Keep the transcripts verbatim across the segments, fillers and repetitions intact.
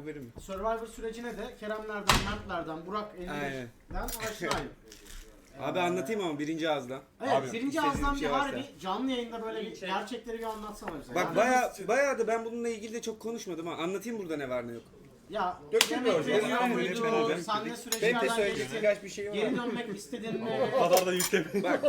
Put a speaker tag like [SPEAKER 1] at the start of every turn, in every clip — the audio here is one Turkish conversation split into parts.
[SPEAKER 1] haberim yok.
[SPEAKER 2] Survivor sürecine de Keremlerden, Mertlerden, Burak elli'den aşinayım.
[SPEAKER 1] Abi anlatayım ama birinci ağızdan.
[SPEAKER 2] Evet,
[SPEAKER 3] Abi,
[SPEAKER 2] birinci
[SPEAKER 1] istediğin
[SPEAKER 2] ağızdan
[SPEAKER 1] bir
[SPEAKER 2] bir
[SPEAKER 1] şey
[SPEAKER 2] harbi
[SPEAKER 1] varsa.
[SPEAKER 2] canlı yayında böyle bir gerçekleri bir anlatsana bize.
[SPEAKER 1] Bak
[SPEAKER 2] Yani-
[SPEAKER 1] baya baya da ben bununla ilgili de çok konuşmadım ama anlatayım burada ne var ne yok.
[SPEAKER 2] Ya
[SPEAKER 3] Dökül
[SPEAKER 2] yemek
[SPEAKER 3] hocam.
[SPEAKER 2] veriyor
[SPEAKER 1] Aynen,
[SPEAKER 2] muydu,
[SPEAKER 1] lütfen hocam.
[SPEAKER 2] sahne
[SPEAKER 3] Benim de
[SPEAKER 2] süreçlerden
[SPEAKER 3] söyleyecek
[SPEAKER 2] geçtin,
[SPEAKER 3] birkaç bir şeyim
[SPEAKER 2] geri
[SPEAKER 3] var.
[SPEAKER 2] dönmek istedin mi,
[SPEAKER 3] O kadar da yükleme.
[SPEAKER 1] Bak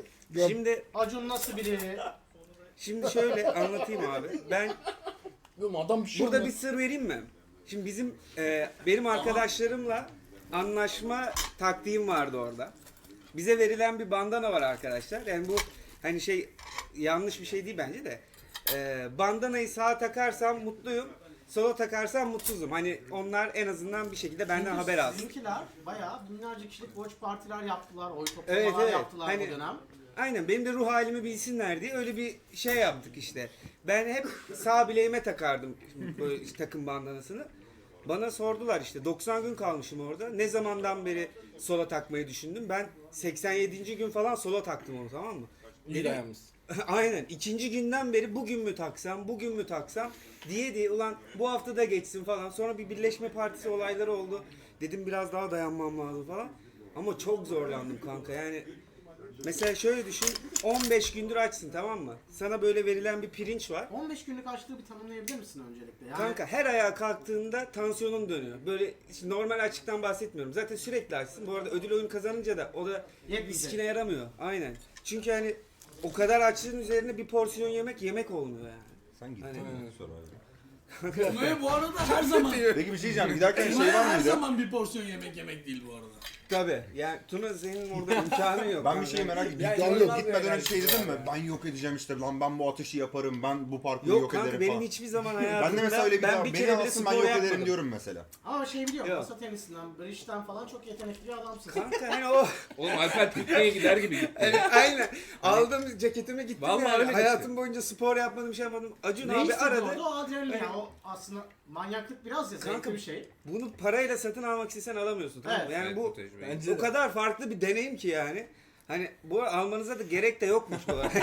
[SPEAKER 1] şimdi
[SPEAKER 2] Acun nasıl biri?
[SPEAKER 1] şimdi şöyle anlatayım abi. Ben
[SPEAKER 3] Oğlum adam bir şey
[SPEAKER 1] burada bir sır vereyim mi? Şimdi bizim e, benim arkadaşlarımla anlaşma taktiğim vardı orada. Bize verilen bir bandana var arkadaşlar. Yani bu hani şey yanlış bir şey değil bence de. E, bandanayı sağa takarsam mutluyum. Sola takarsam mutsuzum. Hani onlar en azından bir şekilde benden
[SPEAKER 2] Çünkü
[SPEAKER 1] haber alsın.
[SPEAKER 2] Sizinkiler bayağı binlerce kişilik watch partiler yaptılar, oy toplamalar
[SPEAKER 1] Evet, evet.
[SPEAKER 2] yaptılar
[SPEAKER 1] Hani-
[SPEAKER 2] bu dönem.
[SPEAKER 1] Aynen benim de ruh halimi bilsinler diye öyle bir şey yaptık işte. Ben hep sağ bileğime takardım böyle işte takım bandanasını. Bana sordular işte doksan gün kalmışım orada. Ne zamandan beri sola takmayı düşündüm? Ben seksen yedinci gün falan sola taktım onu, tamam mı?
[SPEAKER 3] İyi
[SPEAKER 1] Dedim-
[SPEAKER 3] dayanmışsın.
[SPEAKER 1] Aynen. İkinci günden beri bugün mü taksam, bugün mü taksam diye diye ulan bu hafta da geçsin falan. Sonra bir birleşme partisi olayları oldu. Dedim biraz daha dayanmam lazım falan. Ama çok zorlandım kanka yani. Mesela şöyle düşün, on beş gündür açsın, tamam mı? Sana böyle verilen bir pirinç var.
[SPEAKER 2] on beş günlük açlığı bir tanımlayabilir misin öncelikle? Yani
[SPEAKER 1] Kanka her ayağa kalktığında tansiyonun dönüyor. Böyle işte normal açlıktan bahsetmiyorum. Zaten sürekli açsın. Bu arada ödül oyun kazanınca da o da
[SPEAKER 2] Yetmeyecek.
[SPEAKER 1] iskine yaramıyor. Aynen. Çünkü hani o kadar açlığın üzerine bir porsiyon yemek yemek olmuyor yani.
[SPEAKER 4] Sen gittin
[SPEAKER 1] Hani-
[SPEAKER 4] mi sor abi.
[SPEAKER 5] Konuya bu arada her zaman.
[SPEAKER 4] Peki bir şey diyeceğim. Giderken şey
[SPEAKER 5] Konuya
[SPEAKER 4] var
[SPEAKER 5] her
[SPEAKER 4] mıydı?
[SPEAKER 5] zaman bir porsiyon yemek yemek değil bu arada.
[SPEAKER 1] Tabii. Yani Tuna senin orada imkanı yok.
[SPEAKER 4] Ben bir
[SPEAKER 1] kanka.
[SPEAKER 4] şeyi merak ettim.
[SPEAKER 3] Ya,
[SPEAKER 4] Gitmeden,
[SPEAKER 3] inanılmaz
[SPEAKER 4] gitmeden
[SPEAKER 3] bir
[SPEAKER 4] önce şey
[SPEAKER 3] enerjisi
[SPEAKER 4] dedim mi?
[SPEAKER 3] var ya.
[SPEAKER 4] Ben yok edeceğim işte. Lan ben bu ateşi yaparım. Ben bu parkuru
[SPEAKER 1] Yok
[SPEAKER 4] yok
[SPEAKER 1] kanka
[SPEAKER 4] ederim
[SPEAKER 1] benim
[SPEAKER 4] falan.
[SPEAKER 1] hiçbir zaman hayatımda
[SPEAKER 4] Ben de mesela öyle bir
[SPEAKER 1] ben
[SPEAKER 4] ben
[SPEAKER 1] bir
[SPEAKER 4] beni
[SPEAKER 1] kere bile
[SPEAKER 4] alsın ben
[SPEAKER 1] spor
[SPEAKER 4] yok
[SPEAKER 1] yapmadım.
[SPEAKER 4] ederim diyorum mesela.
[SPEAKER 2] ama şey biliyorum,
[SPEAKER 1] Yok.
[SPEAKER 2] masa tenisinden, bridge'den falan çok yetenekli bir adamsın.
[SPEAKER 1] Kanka hani o
[SPEAKER 6] Oğlum Alper pikniğe gider gibi gitti.
[SPEAKER 1] evet, aynen. Aldım ceketimi gittim
[SPEAKER 6] Vallahi
[SPEAKER 1] yani.
[SPEAKER 6] öyle gitti.
[SPEAKER 1] Hayatım boyunca spor yapmadım, şey yapmadım. Acun
[SPEAKER 2] Ne
[SPEAKER 1] abi
[SPEAKER 2] hissediyordu
[SPEAKER 1] aradı.
[SPEAKER 2] o adrenalin ya?
[SPEAKER 1] Evet.
[SPEAKER 2] O aslında manyaklık biraz ya,
[SPEAKER 1] Kanka,
[SPEAKER 2] zevkli bir şey.
[SPEAKER 1] Bunu parayla satın almak istesen alamıyorsun, tamam mı?
[SPEAKER 2] Evet.
[SPEAKER 1] Yani
[SPEAKER 6] Evet,
[SPEAKER 1] bu
[SPEAKER 6] tecrübe.
[SPEAKER 3] Bence
[SPEAKER 1] o
[SPEAKER 3] de.
[SPEAKER 1] kadar farklı bir deneyim ki yani. Hani bu almanıza da gerek de yokmuş bu arada.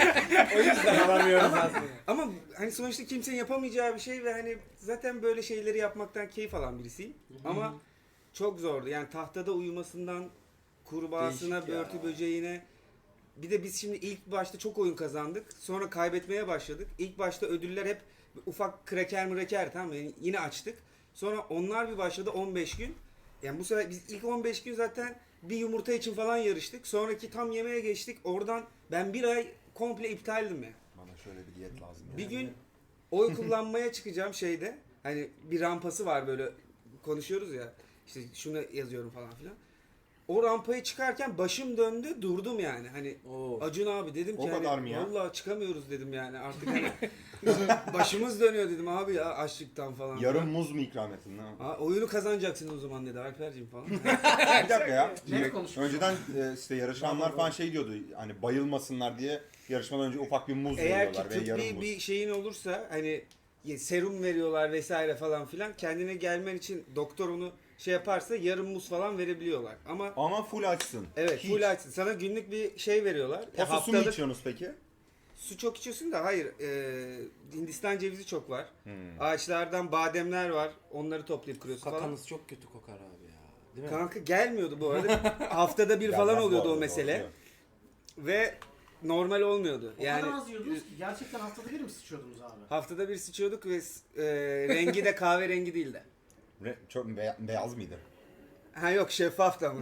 [SPEAKER 3] O yüzden alamıyoruz aslında.
[SPEAKER 1] Ama hani sonuçta kimsenin yapamayacağı bir şey ve hani zaten böyle şeyleri yapmaktan keyif alan birisiyim. Ama çok zordu. Yani tahtada uyumasından kurbağasına,
[SPEAKER 3] Değişik ya.
[SPEAKER 1] börtü böceğine. Bir de biz şimdi ilk başta çok oyun kazandık. Sonra kaybetmeye başladık. İlk başta ödüller hep ufak kraker mreker, tamam mı? Yani yine açtık. Sonra onlar bir başladı on beş gün. Yani bu sefer biz ilk on beş gün zaten bir yumurta için falan yarıştık. Sonraki tam yemeğe geçtik. Oradan ben bir ay komple iptaldim ya.
[SPEAKER 4] Bana şöyle bir diyet lazım.
[SPEAKER 1] Bir gün oy kullanmaya çıkacağım şeyde. Hani bir rampası var böyle konuşuyoruz ya. İşte şunu yazıyorum falan filan. O rampaya çıkarken başım döndü, durdum yani. Hani
[SPEAKER 3] Oo.
[SPEAKER 1] Acun abi dedim ki
[SPEAKER 4] O
[SPEAKER 1] hani,
[SPEAKER 4] kadar mı ya?
[SPEAKER 1] vallahi çıkamıyoruz dedim yani artık hani başımız dönüyor dedim abi ya açlıktan falan.
[SPEAKER 4] Yarım muz mu ikram ettin lan?
[SPEAKER 1] Ha, oyunu kazanacaksın o zaman dedi Alperciğim falan.
[SPEAKER 4] Bir dakika ya.
[SPEAKER 2] Ne konuşmuş?
[SPEAKER 4] Önceden e, işte yarışanlar falan şey diyordu. Hani bayılmasınlar diye yarışmadan önce ufak bir muz
[SPEAKER 1] Eğer ki
[SPEAKER 4] veriyorlar ve yarım
[SPEAKER 1] tıbbi
[SPEAKER 4] muz.
[SPEAKER 1] bir şeyin olursa hani serum veriyorlar vesaire falan filan kendine gelmen için doktor onu şey yaparsa yarım muz falan verebiliyorlar. Ama
[SPEAKER 4] Ama full açsın.
[SPEAKER 1] evet
[SPEAKER 4] Hiç.
[SPEAKER 1] full açsın. Sana günlük bir şey veriyorlar.
[SPEAKER 4] O
[SPEAKER 1] E,
[SPEAKER 4] su mu
[SPEAKER 1] haftalık
[SPEAKER 4] içiyorsunuz peki?
[SPEAKER 1] su çok içiyorsun da hayır. E, Hindistan cevizi çok var.
[SPEAKER 4] Hmm.
[SPEAKER 1] Ağaçlardan bademler var. Onları toplayıp kırıyorsun falan.
[SPEAKER 3] Kakanız çok kötü kokar abi ya. Değil mi?
[SPEAKER 1] Kanka gelmiyordu bu arada. Haftada bir falan
[SPEAKER 4] Gelmez bu
[SPEAKER 1] oluyordu o
[SPEAKER 4] arada,
[SPEAKER 1] mesele.
[SPEAKER 4] doğru.
[SPEAKER 1] Ve normal olmuyordu.
[SPEAKER 2] O
[SPEAKER 1] Yani
[SPEAKER 2] kadar az yiyordunuz ki gerçekten haftada bir mi sıçıyordunuz abi?
[SPEAKER 1] haftada bir sıçıyorduk ve e, rengi de kahverengi değildi.
[SPEAKER 4] Re- çok beya- beyaz mıydı?
[SPEAKER 1] Ha yok şeffaf da mı?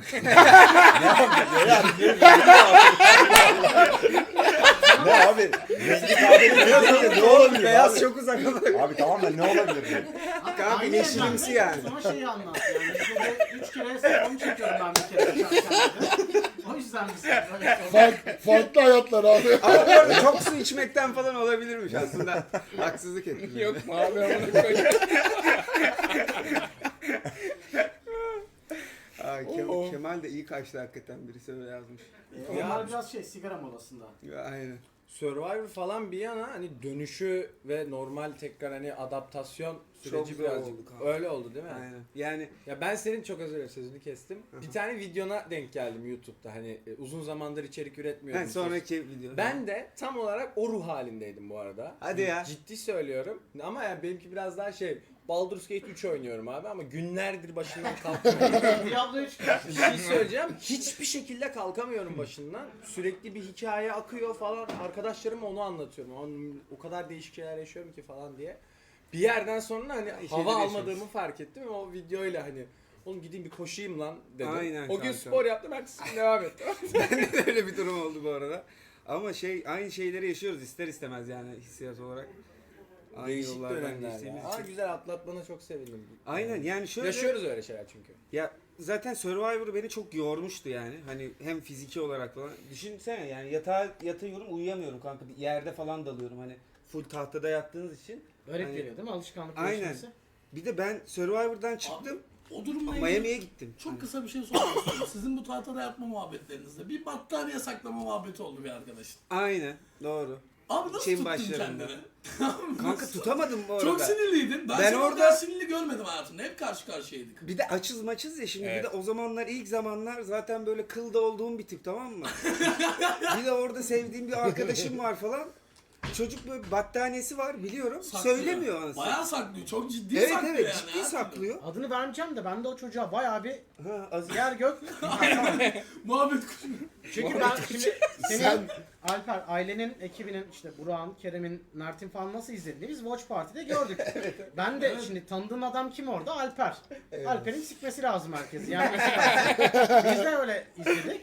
[SPEAKER 4] Ne abi? Rengi kahverengi ne olabilir
[SPEAKER 1] Beyaz
[SPEAKER 4] abi?
[SPEAKER 1] çok uzak ama.
[SPEAKER 4] Abi tamam da ne olabilir?
[SPEAKER 2] Kanka
[SPEAKER 1] Kanka yeşilimsi yani.
[SPEAKER 2] Sonra şeyi anlat yani. Bizde üç kere sezon çekiyorum ben bir kere. şarkılarda. O yüzden biz böyle
[SPEAKER 7] Fark, farklı hayatlar abi.
[SPEAKER 1] Ama bu arada çok su içmekten falan olabilirmiş aslında. Haksızlık ettim.
[SPEAKER 6] Yok mu abi amına koyayım.
[SPEAKER 1] Aa, Ke- Kemal de iyi kaçtı hakikaten birisi öyle yazmış.
[SPEAKER 2] Onlar biraz şey sigara molasında.
[SPEAKER 1] Ya, aynen.
[SPEAKER 3] Survivor falan bir yana hani dönüşü ve normal tekrar hani adaptasyon
[SPEAKER 1] Çok
[SPEAKER 3] süreci
[SPEAKER 1] zor
[SPEAKER 3] birazcık
[SPEAKER 1] oldu kanka.
[SPEAKER 3] öyle oldu değil mi?
[SPEAKER 1] Aynen. Yani
[SPEAKER 3] Ya ben senin çok özür dilerim sözünü kestim. Bir tane videona denk geldim YouTube'da hani e, uzun zamandır içerik üretmiyordum.
[SPEAKER 1] ben sonraki video.
[SPEAKER 3] Ben de tam olarak o ruh halindeydim bu arada.
[SPEAKER 1] Hadi ya.
[SPEAKER 3] Ciddi söylüyorum. Ama yani benimki biraz daha şey Baldur's Gate üç oynuyorum abi ama günlerdir başından kalkamıyorum.
[SPEAKER 2] Diablo üç.
[SPEAKER 3] Bir şey söyleyeceğim. Hiçbir şekilde kalkamıyorum başından. Sürekli bir hikaye akıyor falan. Arkadaşlarıma onu anlatıyorum. Onun, o kadar değişik şeyler yaşıyorum ki falan diye. Bir yerden sonra hani hava
[SPEAKER 1] şeyler
[SPEAKER 3] almadığımı
[SPEAKER 1] yaşıyoruz.
[SPEAKER 3] fark ettim ve o videoyla hani oğlum gideyim bir koşayım lan dedim.
[SPEAKER 1] Aynen
[SPEAKER 3] o gün
[SPEAKER 1] kanka.
[SPEAKER 3] spor yaptım, ertesi gün devam ettim.
[SPEAKER 1] Öyle bir durum oldu bu arada. Ama şey aynı şeyleri yaşıyoruz ister istemez yani hissiyat olarak. Aynı
[SPEAKER 3] Değişik
[SPEAKER 1] yollardan
[SPEAKER 3] dönemler
[SPEAKER 1] geçtiğimiz
[SPEAKER 3] ya. Ama
[SPEAKER 1] için.
[SPEAKER 3] güzel atlatmana çok sevindim.
[SPEAKER 1] Aynen yani şöyle.
[SPEAKER 3] Yaşıyoruz öyle şeyler çünkü.
[SPEAKER 1] Ya zaten Survivor beni çok yormuştu yani. Hani hem fiziki olarak falan. Düşünsene yani yatağa yatıyorum uyuyamıyorum kanka. Bir yerde falan dalıyorum hani full tahtada yattığınız için.
[SPEAKER 2] Garip
[SPEAKER 1] Hani-
[SPEAKER 2] geliyor değil mi? Alışkanlık
[SPEAKER 1] Aynen.
[SPEAKER 2] değişmesi.
[SPEAKER 1] Bir de ben Survivor'dan çıktım.
[SPEAKER 5] O durumla ilgili
[SPEAKER 1] Miami'ye gittim.
[SPEAKER 5] çok
[SPEAKER 1] Hani-
[SPEAKER 5] kısa bir şey sormak istiyorum. Sizin bu tahtada yatma muhabbetlerinizde bir battaniye saklama muhabbeti oldu bir arkadaşın.
[SPEAKER 1] Aynen doğru.
[SPEAKER 5] Abi nasıl
[SPEAKER 1] Şeyin
[SPEAKER 5] tuttun
[SPEAKER 1] başlarında.
[SPEAKER 5] kendini?
[SPEAKER 1] Kanka tutamadım bu arada.
[SPEAKER 5] Çok sinirliydin. Ben,
[SPEAKER 1] Ben
[SPEAKER 5] seni
[SPEAKER 1] orada-
[SPEAKER 5] o kadar sinirli görmedim hayatımda. Hep karşı karşıyaydık.
[SPEAKER 1] Bir de açız maçız ya şimdi
[SPEAKER 3] Evet.
[SPEAKER 1] bir de o zamanlar ilk zamanlar zaten böyle kılda olduğum bir tip tamam mı? Bir de orada sevdiğim bir arkadaşım var falan. Çocuk böyle battaniyesi var biliyorum.
[SPEAKER 5] Saklıyor.
[SPEAKER 1] Söylemiyor anasını.
[SPEAKER 5] Bayağı saklıyor. Çok ciddi
[SPEAKER 1] Evet
[SPEAKER 5] saklıyor
[SPEAKER 1] evet
[SPEAKER 5] yani.
[SPEAKER 1] ciddi
[SPEAKER 5] her türlü.
[SPEAKER 1] saklıyor.
[SPEAKER 2] Adını vermeyeceğim de ben de o çocuğa bayağı bir
[SPEAKER 1] Ha, az
[SPEAKER 2] yer gök.
[SPEAKER 5] Muhabbet kuşu.
[SPEAKER 2] Çünkü ben şimdi senin
[SPEAKER 7] Sen-
[SPEAKER 2] Alper ailenin ekibinin işte Burak'ın, Kerem'in, Mert'in falan nasıl izlediğini biz Watch Party'de gördük. Ben de şimdi tanıdığım adam kim orada? Alper. Alper'in sikmesi lazım herkesi. Yani biz de öyle izledik.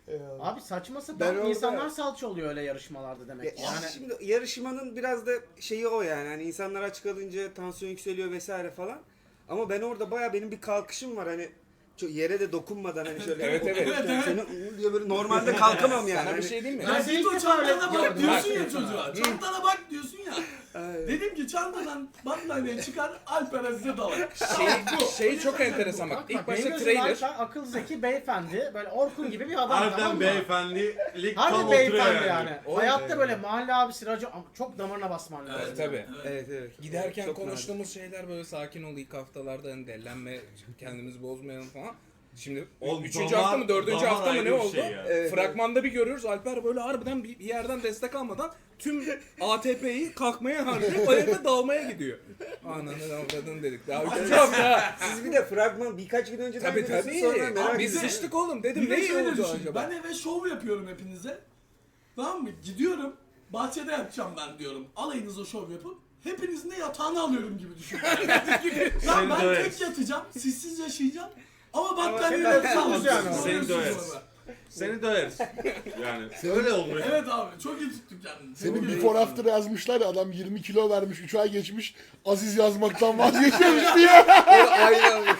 [SPEAKER 2] Abi saçma
[SPEAKER 1] Ben
[SPEAKER 2] sapan
[SPEAKER 1] orada-
[SPEAKER 2] insanlar salça oluyor öyle yarışmalarda
[SPEAKER 1] Ya
[SPEAKER 2] demek ki. Yani
[SPEAKER 1] Şimdi yarışmanın biraz da şeyi o yani. Hani insanlar aç kalınca tansiyon yükseliyor vesaire falan. Ama ben orada baya benim bir kalkışım var hani çok yere de dokunmadan hani şöyle
[SPEAKER 3] Evet, evet.
[SPEAKER 1] otururken seni "Uuu" diye böyle normalde kalkamam yani.
[SPEAKER 3] Sana bir
[SPEAKER 1] Hani-
[SPEAKER 3] şey diyeyim mi?
[SPEAKER 2] Ben
[SPEAKER 5] Ya
[SPEAKER 2] seni
[SPEAKER 5] git
[SPEAKER 2] ilk
[SPEAKER 5] o
[SPEAKER 2] defa öyle
[SPEAKER 5] çantana bak
[SPEAKER 2] gördüm.
[SPEAKER 5] diyorsun
[SPEAKER 2] Bak.
[SPEAKER 5] ya çocuğa. Çantana bak diyorsun ya.
[SPEAKER 1] Ay.
[SPEAKER 5] Dedim ki çantadan battaniye çıkar Alper'e size dalak.
[SPEAKER 3] Şey, şey çok enteresan bak.
[SPEAKER 2] bak,
[SPEAKER 3] İlk
[SPEAKER 2] bak, benim
[SPEAKER 3] başta
[SPEAKER 2] gözümde
[SPEAKER 3] trailer.
[SPEAKER 2] Alper akıl zeki beyefendi böyle Orkun gibi bir adam tamam
[SPEAKER 8] Harbiden
[SPEAKER 2] mı?
[SPEAKER 8] beyefendilik tam
[SPEAKER 2] Harbi
[SPEAKER 8] oturuyor
[SPEAKER 2] beyefendi
[SPEAKER 8] yani.
[SPEAKER 2] yani.
[SPEAKER 3] O-
[SPEAKER 2] Hayatta böyle mahalle abisi racı ama çok damarına basman lazım.
[SPEAKER 5] Evet,
[SPEAKER 3] Tabii.
[SPEAKER 1] Evet evet.
[SPEAKER 6] Giderken
[SPEAKER 1] Çok
[SPEAKER 6] konuştuğumuz şeyler böyle sakin ol ilk haftalarda hani dellenme, kendimizi bozmayalım falan. Şimdi
[SPEAKER 8] Oğlum,
[SPEAKER 6] üçüncü
[SPEAKER 8] damar-
[SPEAKER 6] hafta mı dördüncü
[SPEAKER 8] damar
[SPEAKER 6] hafta mı
[SPEAKER 8] ayrı
[SPEAKER 6] ne
[SPEAKER 8] bir
[SPEAKER 6] oldu?
[SPEAKER 8] şey ya.
[SPEAKER 1] Evet,
[SPEAKER 6] Fragmanda bir görüyoruz Alper böyle harbiden bir bir yerden destek almadan tüm A T P'yi kalkmaya harcayıp ayakta dalmaya gidiyor. Ananı avradın dedik. Daha üçüncü hafta.
[SPEAKER 1] Siz bir de fragman birkaç gün önceden
[SPEAKER 6] Tabii
[SPEAKER 1] biliyorsunuz,
[SPEAKER 6] tabii.
[SPEAKER 1] sonra merak
[SPEAKER 6] Abi biz
[SPEAKER 1] ediyorum.
[SPEAKER 6] sıçtık oğlum dedim
[SPEAKER 5] Bir de
[SPEAKER 6] ne
[SPEAKER 5] şöyle
[SPEAKER 6] oldu
[SPEAKER 5] düşün.
[SPEAKER 6] acaba?
[SPEAKER 5] Ben eve şov yapıyorum hepinize. Tamam mı? Gidiyorum. Bahçede yatacağım ben diyorum. Alayınıza şov yapıp hepinizin de yatağını alıyorum gibi düşün. Lan ben
[SPEAKER 8] döveriz.
[SPEAKER 5] tek yatacağım. Sizsiz yaşayacağım. Ama battaniye
[SPEAKER 2] seni
[SPEAKER 5] yatacağım.
[SPEAKER 2] döveriz yani.
[SPEAKER 8] Seni döveriz. Seni döveriz. Yani öyle olmuş.
[SPEAKER 5] Evet abi çok iyi tuttuk kendini.
[SPEAKER 7] Senin
[SPEAKER 5] Çok iyi.
[SPEAKER 7] before after yazmışlar ya adam yirmi kilo vermiş üç ay geçmiş Aziz yazmaktan vazgeçmemiş diye.
[SPEAKER 1] Aynen.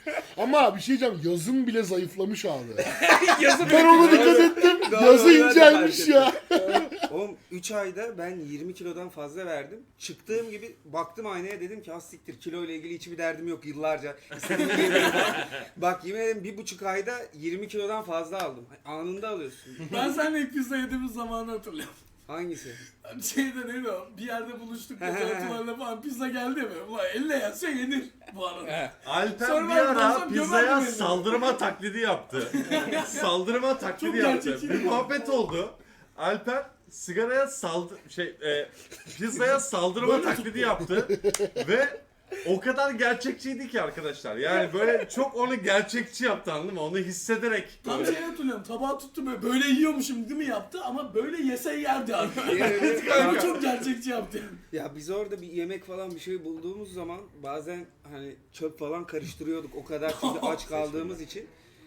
[SPEAKER 7] Ama bir şey diyeceğim yazın bile zayıflamış abi.
[SPEAKER 6] Yazı
[SPEAKER 7] Ben onu dikkat ettim.
[SPEAKER 1] Doğru,
[SPEAKER 7] Yazı
[SPEAKER 1] ben de
[SPEAKER 7] incelmiş
[SPEAKER 1] fark
[SPEAKER 7] ya.
[SPEAKER 1] Oğlum üç ayda ben yirmi kilodan fazla verdim. Çıktığım gibi baktım aynaya dedim ki az siktir kilo ile ilgili hiçbir derdim yok yıllarca. İstediğim gibi yemeğim var. Bak yemin ederim bir buçuk ayda yirmi kilodan fazla aldım. Anında alıyorsun.
[SPEAKER 5] Ben seninle ilk pizza yediğimiz zamanı hatırlıyorum.
[SPEAKER 1] Hangisi?
[SPEAKER 5] Şeyde neydi o? Bir yerde buluştuk. Fotoğraflarla falan pizza geldi mi? Ulan elle yense yenir bu arada.
[SPEAKER 6] He.
[SPEAKER 8] Alper
[SPEAKER 5] Sonra
[SPEAKER 8] bir
[SPEAKER 5] ben
[SPEAKER 8] ara
[SPEAKER 5] baksam
[SPEAKER 8] pizzaya
[SPEAKER 5] gömerdim beni.
[SPEAKER 8] saldırma taklidi yaptı. Saldırma taklidi
[SPEAKER 5] Çok
[SPEAKER 8] yaptı.
[SPEAKER 5] gerçekçi.
[SPEAKER 8] Bir muhabbet oldu. Alper sigaraya saldı şey e, pizzaya saldırma
[SPEAKER 5] Böyle
[SPEAKER 8] taklidi
[SPEAKER 5] tuttu.
[SPEAKER 8] yaptı ve o kadar gerçekçiydi ki arkadaşlar. Yani böyle çok onu gerçekçi yaptı anladın mı? Onu hissederek.
[SPEAKER 5] Tam şey hatırlıyorum. Tabağı tuttu böyle. Böyle yiyormuşum değil mi yaptı ama böyle yese yerdi abi.
[SPEAKER 1] Evet,
[SPEAKER 5] Yani
[SPEAKER 1] kanka.
[SPEAKER 5] çok gerçekçi yaptı.
[SPEAKER 1] Ya biz orada bir yemek falan bir şey bulduğumuz zaman bazen hani çöp falan karıştırıyorduk o kadar çünkü aç kaldığımız için.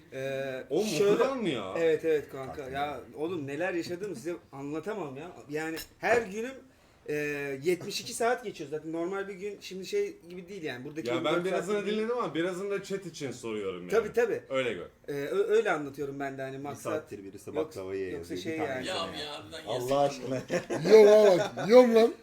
[SPEAKER 1] Ee,
[SPEAKER 8] O
[SPEAKER 1] şöyle-
[SPEAKER 8] muhtemelen mi ya?
[SPEAKER 1] Evet evet kanka ya oğlum neler yaşadım size anlatamam ya. Yani her günüm e, yetmiş iki saat geçiyor zaten normal bir gün şimdi şey gibi değil yani buradaki
[SPEAKER 8] Ya
[SPEAKER 1] yirmi
[SPEAKER 8] ben
[SPEAKER 1] dört
[SPEAKER 8] birazını
[SPEAKER 1] saat gibi değil.
[SPEAKER 8] dinledim ama birazını da chat için soruyorum yani.
[SPEAKER 1] Tabii tabii.
[SPEAKER 8] Öyle gör.
[SPEAKER 1] Ee, ö- öyle anlatıyorum ben de hani
[SPEAKER 4] Bir
[SPEAKER 1] maksat.
[SPEAKER 4] saattir birisi
[SPEAKER 1] Yoksa-
[SPEAKER 4] baklava yiyor.
[SPEAKER 1] yoksa
[SPEAKER 4] bir
[SPEAKER 1] şey
[SPEAKER 4] tane
[SPEAKER 1] yani.
[SPEAKER 5] Ya
[SPEAKER 4] yesene
[SPEAKER 5] abi
[SPEAKER 4] ya.
[SPEAKER 5] ya harbiden yesin.
[SPEAKER 4] Allah aşkına.
[SPEAKER 7] Yiyorum ha bak. Yiyorum lan.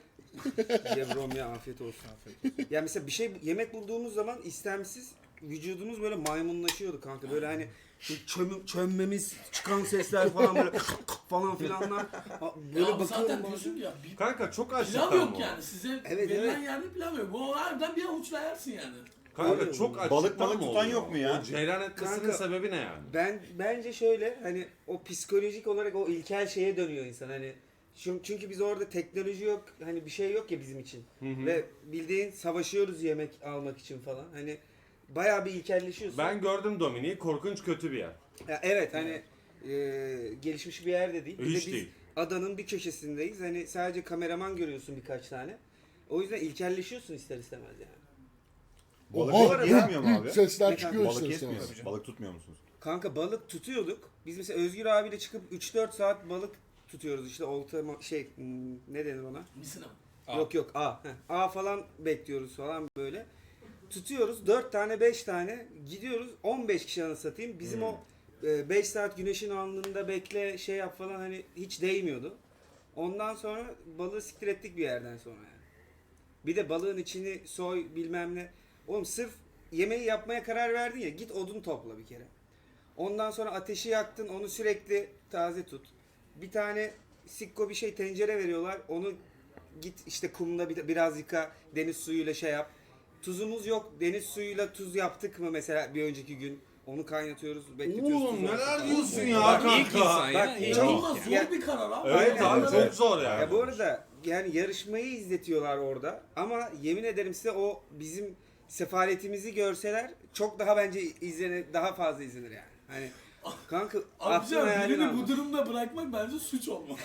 [SPEAKER 1] Yevrom ya afiyet olsun. Ya mesela bir şey yemek bulduğumuz zaman istemsiz vücudumuz böyle maymunlaşıyordu kanka. Böyle hani şu çöm, çömmemiz, çıkan sesler falan böyle falan filanlar. Ha, Böyle
[SPEAKER 5] Ya abi zaten
[SPEAKER 1] bakıyorum.
[SPEAKER 5] diyorsun ki ya bir
[SPEAKER 8] Kanka çok açlıktan
[SPEAKER 5] pilav yok
[SPEAKER 8] mı o?
[SPEAKER 5] yani. Size
[SPEAKER 1] Evet,
[SPEAKER 5] verilen
[SPEAKER 1] evet.
[SPEAKER 5] yerde pilav yok. Bu harbiden bir avuçla yersin yani.
[SPEAKER 8] Kanka
[SPEAKER 1] Öyle
[SPEAKER 8] çok
[SPEAKER 1] mi?
[SPEAKER 8] açlıktan
[SPEAKER 4] Balık balık
[SPEAKER 8] mı
[SPEAKER 4] tutan
[SPEAKER 8] oluyor?
[SPEAKER 4] yok mu ya?
[SPEAKER 8] O ceylan etmesinin
[SPEAKER 1] Kanka-
[SPEAKER 8] sebebi ne yani?
[SPEAKER 1] Ben bence şöyle hani o psikolojik olarak o ilkel şeye dönüyor insan hani Çünkü çünkü biz orada teknoloji yok, hani bir şey yok ya bizim için. Ve bildiğin savaşıyoruz yemek almak için falan. Hani bayağı bir ilkelleşiyorsun.
[SPEAKER 8] Ben gördüm Dominik'i, korkunç kötü bir yer.
[SPEAKER 1] Ya evet hani e, gelişmiş bir yerde değil. Bir de
[SPEAKER 8] Hiç
[SPEAKER 1] biz
[SPEAKER 8] değil.
[SPEAKER 1] adanın bir köşesindeyiz. Hani sadece kameraman görüyorsun birkaç tane. O yüzden ilkelleşiyorsun ister istemez yani.
[SPEAKER 4] Balık
[SPEAKER 7] Oha,
[SPEAKER 4] yetmiyor mu abi?
[SPEAKER 7] Sesler
[SPEAKER 1] Ne
[SPEAKER 7] çıkıyor
[SPEAKER 4] Balık
[SPEAKER 7] ister
[SPEAKER 4] yetmiyor.
[SPEAKER 7] istemez.
[SPEAKER 4] Balık tutmuyor musunuz?
[SPEAKER 1] Kanka balık tutuyorduk. Biz mesela Özgür abiyle çıkıp üç dört saat balık tutuyoruz işte olta ma- şey hmm, ne denir ona?
[SPEAKER 5] Misina mı?
[SPEAKER 6] A.
[SPEAKER 1] Yok yok A. Heh, A falan bekliyoruz falan böyle. Tutuyoruz dört tane beş tane gidiyoruz on beş kişi anasını satayım. Bizim o beş saat güneşin alnında bekle şey yap falan hani hiç değmiyordu. Ondan sonra balığı siktir ettik bir yerden sonra yani. Bir de balığın içini soy bilmem ne. Oğlum sırf yemeği yapmaya karar verdin ya git odun topla bir kere. Ondan sonra ateşi yaktın onu sürekli taze tut. Bir tane sikko bir şey tencere veriyorlar onu git işte kumda bir- biraz yıka deniz suyuyla şey yap. Tuzumuz yok deniz suyuyla tuz yaptık mı mesela bir önceki gün onu kaynatıyoruz bekletiyoruz.
[SPEAKER 8] Oğlum
[SPEAKER 1] tuzu
[SPEAKER 8] neler
[SPEAKER 1] attık.
[SPEAKER 8] diyorsun ya
[SPEAKER 6] Bak, ilk
[SPEAKER 8] kanka.
[SPEAKER 6] insan ya.
[SPEAKER 1] Bak,
[SPEAKER 6] ilk
[SPEAKER 1] çok-
[SPEAKER 5] İnanılmaz
[SPEAKER 6] insan.
[SPEAKER 5] zor
[SPEAKER 1] Ya-
[SPEAKER 5] bir karar abi.
[SPEAKER 8] Evet
[SPEAKER 1] Aynen.
[SPEAKER 8] abi çok zor yani.
[SPEAKER 1] Ya bu arada yani yarışmayı izletiyorlar orada ama yemin ederim size o bizim sefaletimizi görseler çok daha bence izlenir, daha fazla izlenir yani. Hani kanka aklın
[SPEAKER 5] Abicim
[SPEAKER 1] hayalin
[SPEAKER 5] birini
[SPEAKER 1] almaz.
[SPEAKER 5] bu durumda bırakmak bence suç olmalı.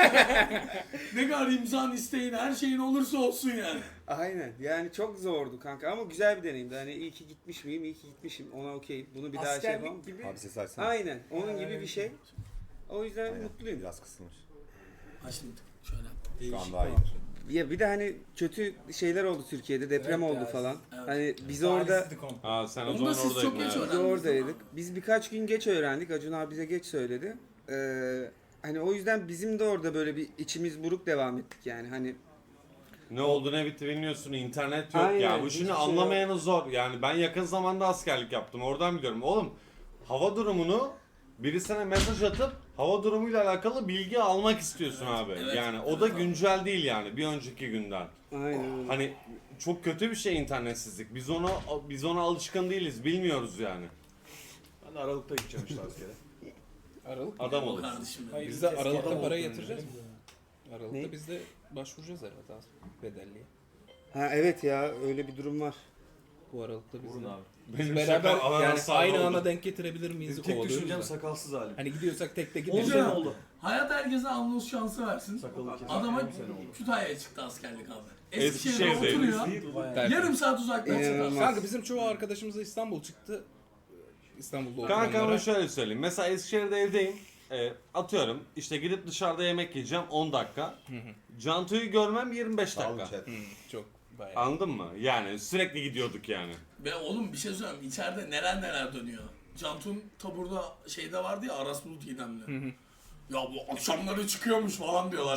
[SPEAKER 5] Ne kadar imzan isteğin her şeyin olursa olsun yani.
[SPEAKER 1] Aynen yani çok zordu kanka ama güzel bir deneyimdi. Hani iyi ki gitmiş miyim, iyi ki gitmişim ona okey. Bunu bir daha şey yapamam.
[SPEAKER 3] Askerlik gibi.
[SPEAKER 4] Abi ses açsana.
[SPEAKER 1] Aynen onun gibi bir şey. O yüzden
[SPEAKER 4] Aynen.
[SPEAKER 1] mutluyum.
[SPEAKER 4] Biraz kısılmış.
[SPEAKER 5] Ha şimdi şöyle yap.
[SPEAKER 4] Şu an daha iyidir.
[SPEAKER 1] Ya bir de hani kötü şeyler oldu Türkiye'de deprem
[SPEAKER 3] Evet
[SPEAKER 1] oldu
[SPEAKER 3] ya.
[SPEAKER 1] falan.
[SPEAKER 5] Evet.
[SPEAKER 1] Hani biz orada
[SPEAKER 8] Ha sen o
[SPEAKER 5] Onu da
[SPEAKER 8] zaman
[SPEAKER 5] siz çok
[SPEAKER 8] oradaydın.
[SPEAKER 5] geç
[SPEAKER 8] ha.
[SPEAKER 1] Biz
[SPEAKER 5] öğrendiniz.
[SPEAKER 1] oradaydık. Biz birkaç gün geç öğrendik. Acun abi bize geç söyledi. Ee, hani o yüzden bizim de orada böyle bir içimiz buruk devam ettik yani. Hani
[SPEAKER 8] Ne oldu ne bitti bilmiyorsun, internet yok
[SPEAKER 1] Aynen,
[SPEAKER 8] ya. Bu
[SPEAKER 1] hiçbir
[SPEAKER 8] şimdi
[SPEAKER 1] şey
[SPEAKER 8] anlamayanı zor. Yani ben yakın zamanda askerlik yaptım. Oradan biliyorum. Oğlum hava durumunu birisine mesaj atıp hava durumuyla alakalı bilgi almak istiyorsun abi.
[SPEAKER 5] evet,
[SPEAKER 8] yani o
[SPEAKER 5] evet
[SPEAKER 8] da
[SPEAKER 5] abi.
[SPEAKER 8] güncel değil yani bir önceki günden.
[SPEAKER 1] aynen öyle.
[SPEAKER 8] Hani çok kötü bir şey internetsizlik. Biz ona biz ona alışkın değiliz. Bilmiyoruz yani.
[SPEAKER 3] Ben de Aralık'ta gideceğim işte askere.
[SPEAKER 6] Aralık.
[SPEAKER 8] Adam
[SPEAKER 5] O
[SPEAKER 8] olur.
[SPEAKER 5] kardeşim.
[SPEAKER 3] Hayır.
[SPEAKER 6] Biz de
[SPEAKER 3] Eski
[SPEAKER 6] Aralık'ta
[SPEAKER 3] adam
[SPEAKER 6] para
[SPEAKER 3] oldu
[SPEAKER 6] yatıracağız mı? Aralıkta
[SPEAKER 1] Ne?
[SPEAKER 6] biz de başvuracağız herhalde az bedelliye.
[SPEAKER 1] Ha evet ya öyle bir durum var.
[SPEAKER 6] Bu Aralıkta biz
[SPEAKER 3] Vurun
[SPEAKER 6] de.
[SPEAKER 3] abi.
[SPEAKER 8] Benim
[SPEAKER 6] Beraber
[SPEAKER 8] şaka alan
[SPEAKER 6] yani
[SPEAKER 8] hasarlı
[SPEAKER 6] aynı
[SPEAKER 8] oldu.
[SPEAKER 6] ana denk getirebilir miyiz?
[SPEAKER 3] Tek
[SPEAKER 6] kovalıyoruz
[SPEAKER 3] düşüncem
[SPEAKER 6] da.
[SPEAKER 3] sakalsız halim.
[SPEAKER 6] Hani gidiyorsak tek tek
[SPEAKER 5] Olacak.
[SPEAKER 6] gidiyoruz.
[SPEAKER 3] Bir sene oldu.
[SPEAKER 5] Hayat herkese anons şansı versin.
[SPEAKER 3] Sakalı kesin.
[SPEAKER 5] Adama
[SPEAKER 3] Bir sene oldu.
[SPEAKER 5] Kütahya'ya çıktı askerlik abi.
[SPEAKER 8] Eskişehir'de.
[SPEAKER 5] Eskişehir'de oturuyor.
[SPEAKER 6] Tertemiz.
[SPEAKER 5] Yarım saat uzaktan
[SPEAKER 1] İnanılmaz.
[SPEAKER 5] çıktı.
[SPEAKER 6] Kanka bizim çoğu arkadaşımız da İstanbul çıktı. İstanbul'da
[SPEAKER 8] Kanka ama
[SPEAKER 6] oturanlara.
[SPEAKER 8] şöyle söyleyeyim. Mesela Eskişehir'de evdeyim. E, atıyorum işte gidip dışarıda yemek yiyeceğim on dakika. Cantu'yu görmem yirmi beş
[SPEAKER 4] Sağ olun
[SPEAKER 8] dakika.
[SPEAKER 4] chat.
[SPEAKER 6] Hı, çok bayağı.
[SPEAKER 8] Anladın mı? Yani sürekli gidiyorduk yani.
[SPEAKER 5] Ve oğlum bir şey söyleyeyim. İçeride neler neler dönüyor. Cantun taburda şeyde vardı ya Aras Bulut İdemli. Ya bu akşamları çıkıyormuş falan diyorlar.